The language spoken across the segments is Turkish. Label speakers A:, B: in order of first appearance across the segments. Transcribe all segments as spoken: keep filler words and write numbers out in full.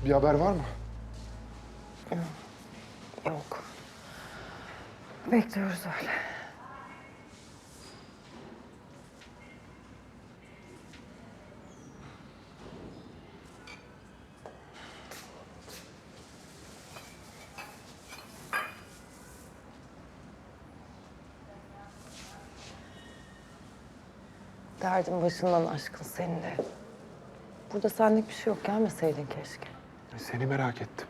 A: Bir haber var mı?
B: Yok. Bekliyoruz öyle. Derdin başından aşkın senin de. Burada senlik bir şey yok. Gelmeseydin keşke.
A: Seni merak ettim.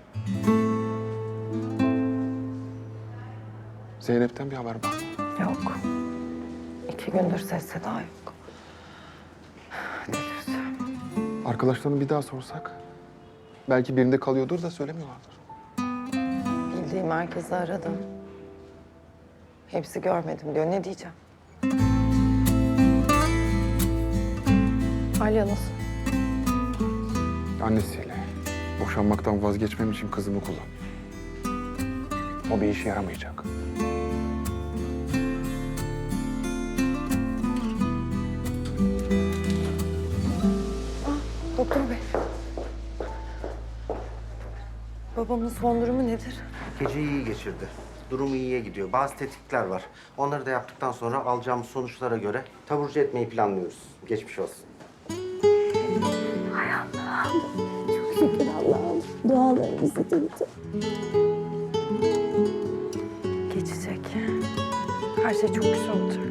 A: Zeynep'ten bir haber var mı?
B: Yok. İki gündür ses seda yok. Delireceğim.
A: Arkadaşlarını bir daha sorsak. Belki birinde kalıyordur da söylemiyorlardır.
B: Bildiğim herkesi aradım. Hepsi görmedim diyor. Ne diyeceğim? Alya nasıl?
A: Annesiyle. Boşanmaktan vazgeçmem için kızımı kullan. O bir işe yaramayacak.
B: Doktor bey. Babamın son durumu nedir?
C: Geceyi iyi geçirdi. Durumu iyiye gidiyor. Bazı tetkikler var. Onları da yaptıktan sonra alacağımız sonuçlara göre taburcu etmeyi planlıyoruz. Geçmiş olsun.
D: Şükür Allah'ım. Dualarımızı duydu.
B: Geçecek. Her şey çok güzel olacak.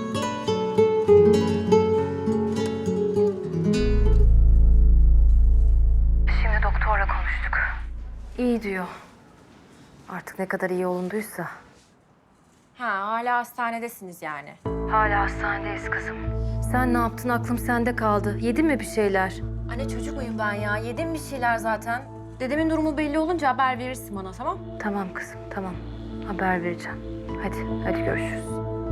B: Şimdi doktorla konuştuk. İyi diyor. Artık ne kadar iyi olunduysa.
E: Ha, hala hastanedesiniz yani.
B: Hala hastanedeyiz kızım. Sen ne yaptın? Aklım sende kaldı. Yedin mi bir şeyler?
E: Anne çocuk muyum ben ya? Yedim bir şeyler zaten. Dedemin durumu belli olunca haber verirsin bana, tamam?
B: Tamam kızım, tamam. Haber vereceğim. Hadi, hadi görüşürüz.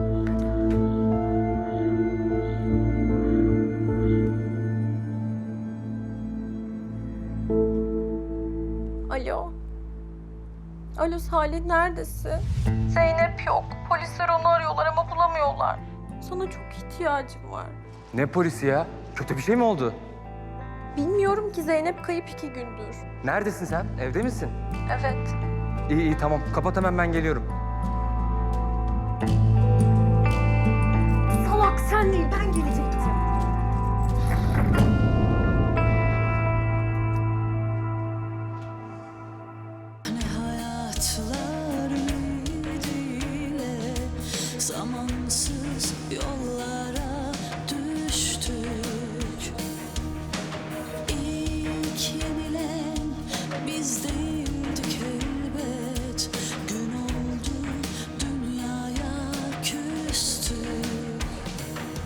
E: Alo. Alo Salih, neredesin? Zeynep yok. Polisler onu arıyorlar ama bulamıyorlar. Sana çok ihtiyacım var.
F: Ne polisi ya? Kötü bir şey mi oldu?
E: Bilmiyorum ki, Zeynep kayıp iki gündür.
F: Neredesin sen? Evde misin?
E: Evet.
F: İyi iyi tamam. Kapat hemen ben geliyorum.